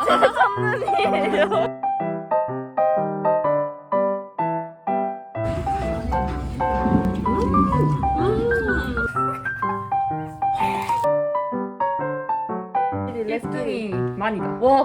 첫눈이에요. 랩등이 많이다. 와.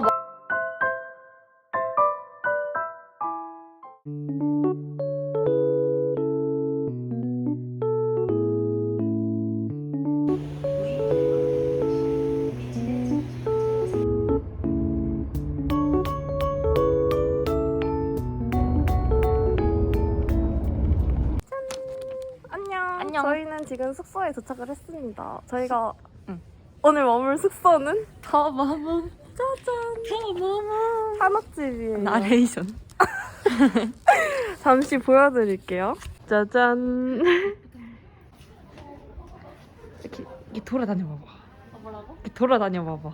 안녕. 저희는 지금 숙소에 도착을 했습니다. 저희가 오늘 머물 숙소는 더마몽. 짜잔. 더마몽. 한옥집이에요. 나레이션. 잠시 보여드릴게요. 짜잔. 이렇게 돌아다녀 봐봐. 뭐라고? 이렇게 돌아다녀 봐봐.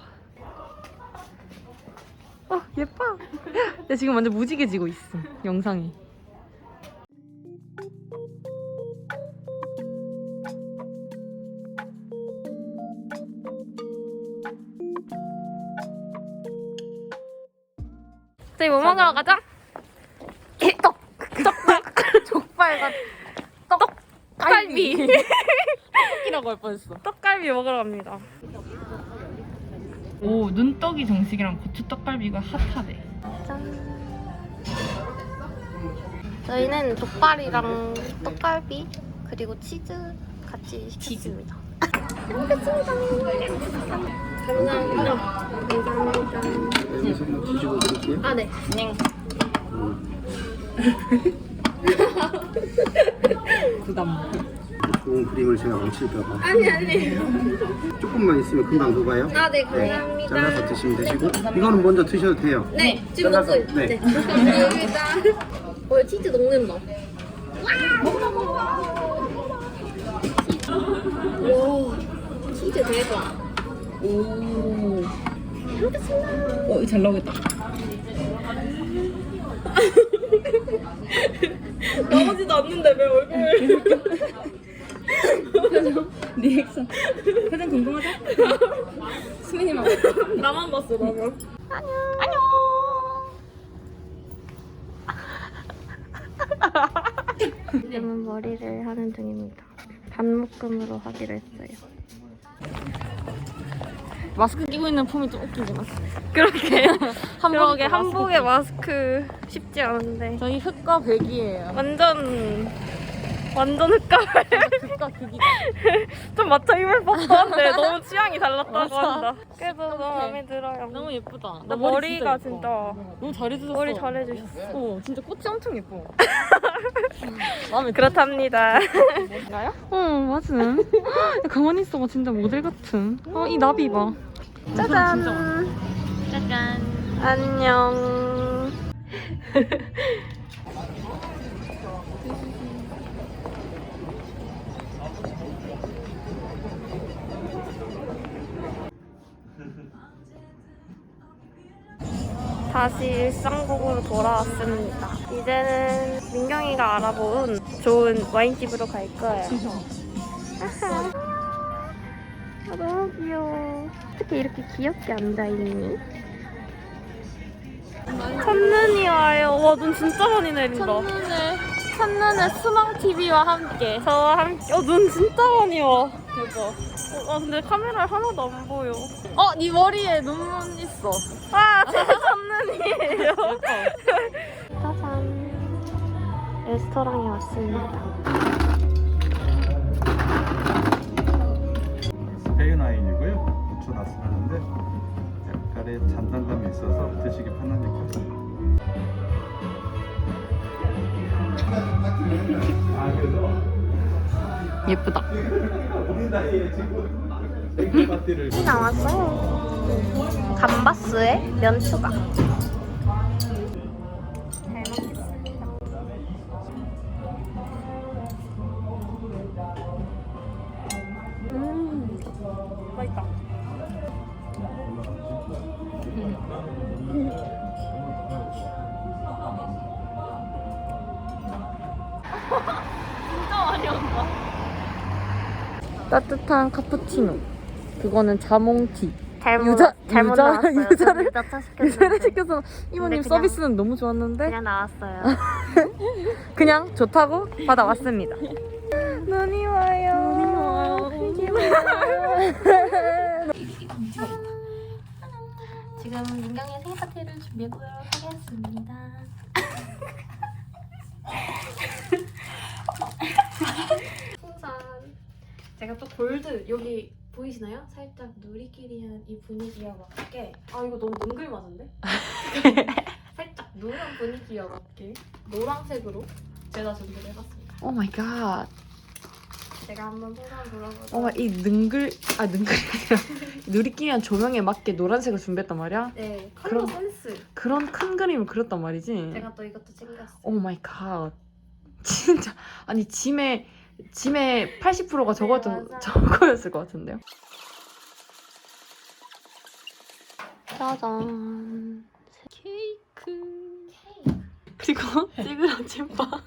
예뻐. 나 지금 완전 무지개지고 있어. 영상이. 저희 뭐 먹으러 가자? 족발과 떡갈비. 떡이라고 할 뻔했어. 떡갈비 먹으러 갑니다. 오, 눈떡이 정식이랑 고추 떡갈비가 핫하대. 짠. 저희는 족발이랑 떡갈비 그리고 치즈 같이 시켰습니다. 먹겠습니다. 감사합니다. 감사합니다. 뒤집어 드릴게요. 아, 네. 부담. 좋은 그림을 제가 망칠까봐. 아니. 조금만 있으면 금방 녹아요. 아, 네. 감사합니다. 잘라서 드시면 되시고 이거는 먼저 드셔도 돼요. 네. 지금 잘라서, 먹고 있어요. 네. 감사합니다. 치즈 녹는 거. 와, 치즈 대박. 오. 잘 나오겠다. 나오지도 않는데 왜 얼굴. 리액션. 표정 궁금하다? 수민이만. 나만 봤어, 나만. 안녕. 지금은 머리를 하는 중입니다. 반묶음으로 하기로 했어요. 마스크 끼고 있는 폼이 좀 웃기긴 하다. 그렇게 그러게 마스크 한복에 마스크 쉽지 않은데 저희 흑과 백이에요. 완전 흑가을. 흑과 극이. 좀 맞춰 입을 법한데 너무 취향이 달랐다고 맞아. 한다. 그래도 너무 어떡해. 마음에 들어요. 너무 예쁘다. 나 머리가 예뻐. 진짜 너무 잘해주셨어. 머리 잘해주셨어. 진짜 꽃이 엄청 예뻐. 마음에 들어. 그렇답니다. 나요? 맞아. 가만히 있어봐. 진짜 모델 같은. 이 나비 봐. 짜잔. 짜잔. 안녕. 다시 일상곡으로 돌아왔습니다. 이제는 민경이가 알아본 좋은 와인집으로 갈 거예요. 아하. 너무 귀여워. 어떻게 이렇게 귀엽게 앉아있니? 첫눈이 와요. 와, 눈 진짜 많이 내린다. 첫눈에 수망TV와 함께. 저와 함께. 눈 진짜 많이 와. 대박. 근데 카메라에 하나도 안 보여. 네 머리에 눈 있어. 제 첫눈이에요. 짜잔. 레스토랑에 왔습니다. 스페인와인이고요. 고추 나스하는데 약간의 잔단감이 있어서 드시기 편하니까. 예쁘다. 이 나왔어요. 감바스에 면 추가. 잘 먹겠습니다. 맛있다. 진짜 많이 온다. 따뜻한 카푸치노. 그거는 자몽티. 잘못 유자- 나왔어요. 유자를- 유자차 시켰는데 유자를 시켜서 이모님 그냥- 서비스는 너무 좋았는데 그냥 나왔어요. 그냥 좋다고 받아왔습니다. 눈이 와요. 지금 민경이의 생일 파티를 준비해보도록 하겠습니다. 풍선. 제가 또 골드 여기 보이시나요? 살짝 누리끼리한 이 분위기와 맞게 아 이거 너무 능글맞은데? 살짝 누런 분위기와 맞게 노란색으로 제가 준비를 해봤습니다. 오 마이 갓. 제가 한번 풍선 불어보도록 어머 이 능글이 아니라 누리끼리한 조명에 맞게 노란색을 준비했단 말이야? 네, 컬러 그럼- 센스. 그런 큰 그림을 그렸단 말이지? 제가 또 이것도 챙겼어요. 오 마이 갓. 진짜 아니 짐의 80%가 맞아요. 저거였을 것 같은데요? 짜잔. 케이크. 그리고 찌그런 찐빵.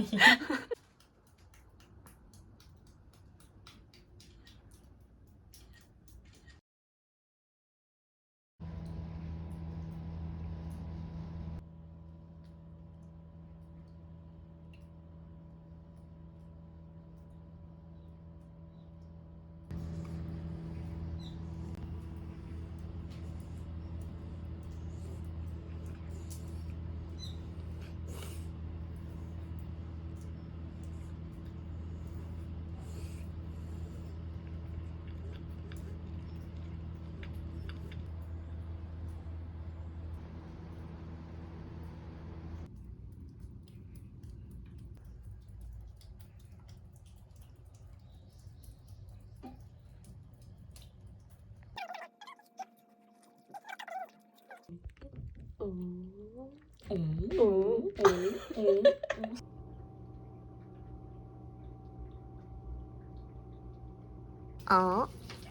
어?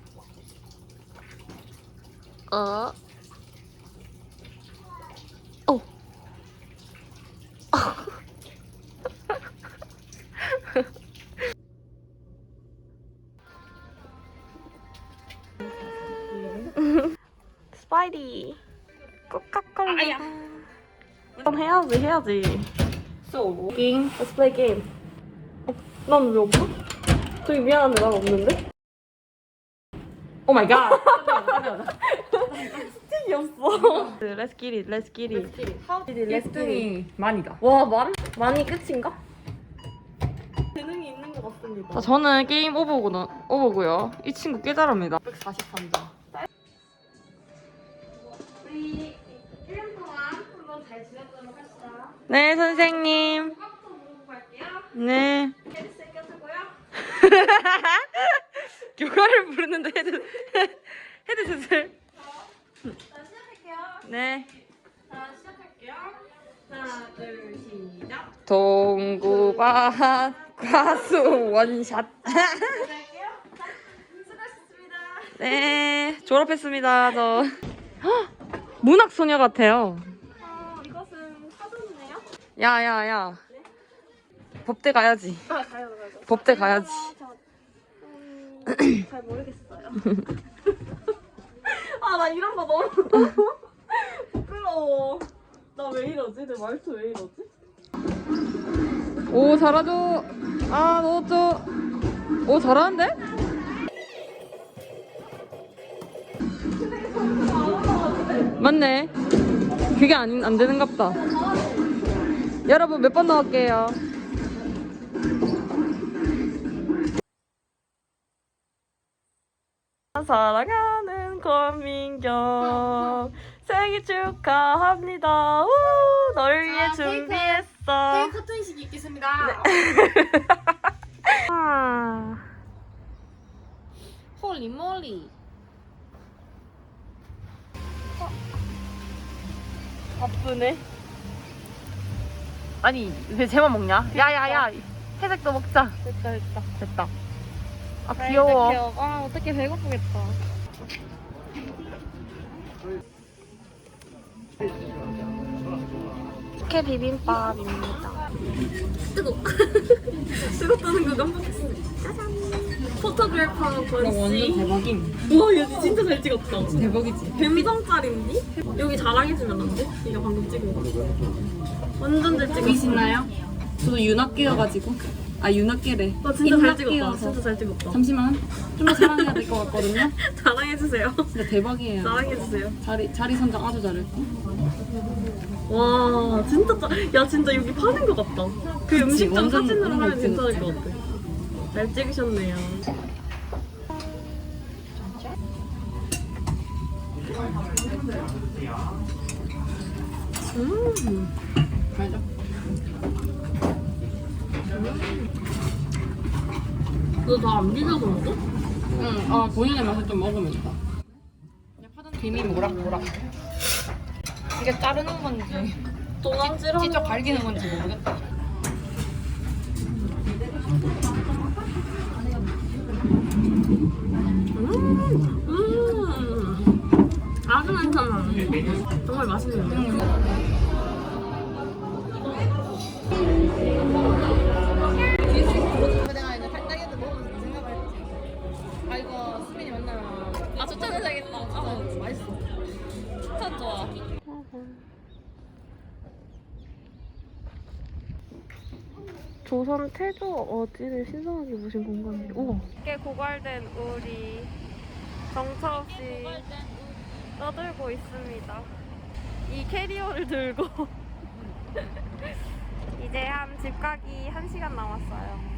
어? 오. 스파이디. 꼬깍걸리. 그럼 해야지. 게임? Let's play game. 난 왜 없어? 저기 미안한데 난 없는데? 오 마이 갓. 스틱이 없어. Let's get it. Let's get it. 1등이 만이다. 와, 많이 끝인가? 재능이 있는 것 같습니다. 저는 게임 오버고요. 이 친구 꽤 잘합니다. 143점. 우리 1년 동안 한번 잘 지내보도록 합시다. 네, 선생님. 수학도 물어보고 갈게요. 네. 헤드셋 껴주고요. 교가를 부르는데 헤드셋을. 자, 시작할게요. 네. 자, 시작할게요. 하나, 둘, 시작. 동구밭 과수 원샷. 시작할게요. 자, 수고하셨습니다. 네, 졸업했습니다. 저 헉, 문학 소녀 같아요. 이것은 사전이네요. 야야야. 법대 가야지. 아, 가요. 법대 가야지. 잘 모르겠어요. 아, 나 이런 거 너무 부끄러워. 나 왜 이러지? 내 말투 왜 이러지? 오 잘하죠. 아 넣었죠. 오 잘하는데? 맞네. 그게 안 되는갑다. 여러분 몇 번 넣을게요. 사랑하는 권민경 생일 축하합니다. 우, 널 위해 준비했어. 커튼식 있겠습니다. 아. 홀리 몰리. 바쁘네. 아니 왜 쟤만 먹냐? 야야야 회색도 먹자. 됐다. 아 귀여워. 아, 어떻게 배고프겠다. 식혜 비빔밥입니다. 뜨거. 뜨겁다는 거 깜빡했어. 짜잔. 포토그래퍼 권씨. 대박임. 우와 얘 진짜 잘 찍었다. 대박이지. 뱀성짤인데? 여기 자랑해주면 안 돼? 이거 방금 찍은 거. 완전 잘 찍었어. 보이시나요? 저도 윤학계여가지고. 아 윤학계래. 나 진짜 잘 찍었다. 인학계여서. 진짜 잘 찍었다. 잠시만. 좀 더 사랑해야 될 것 같거든요. 자랑해주세요. 진짜 대박이에요. 자랑해주세요. 자리 선정 아주 잘했고. 와 진짜 야 진짜 여기 파는 거 같다. 그 음식점 완전 사진으로 하면 그치, 괜찮을 것 같아. 잘 찍으셨네요. 알죠? 너 다 안 비벼서 먹어? 응. 아 본인의 맛을 좀 먹으면 있다. 김이 모락모락. 이게 자르는 건지 도망치러. 직접 갈기는 건지 모르겠다. 아주 괜찮아. 정말 맛있는데. 내가 이거 팔딱이도 먹으면서 생각을 했지. 아 이거 수민이 만나면 아 추천해줘야겠다. 아 맛있어. 추천 좋아. 조선 태조 어지를 신선하게 보신 공간이에요. 우와. 꽤 고갈된 우리 정처 없이 떠들고 있습니다. 이 캐리어를 들고 이제 한 집 가기 1시간 남았어요.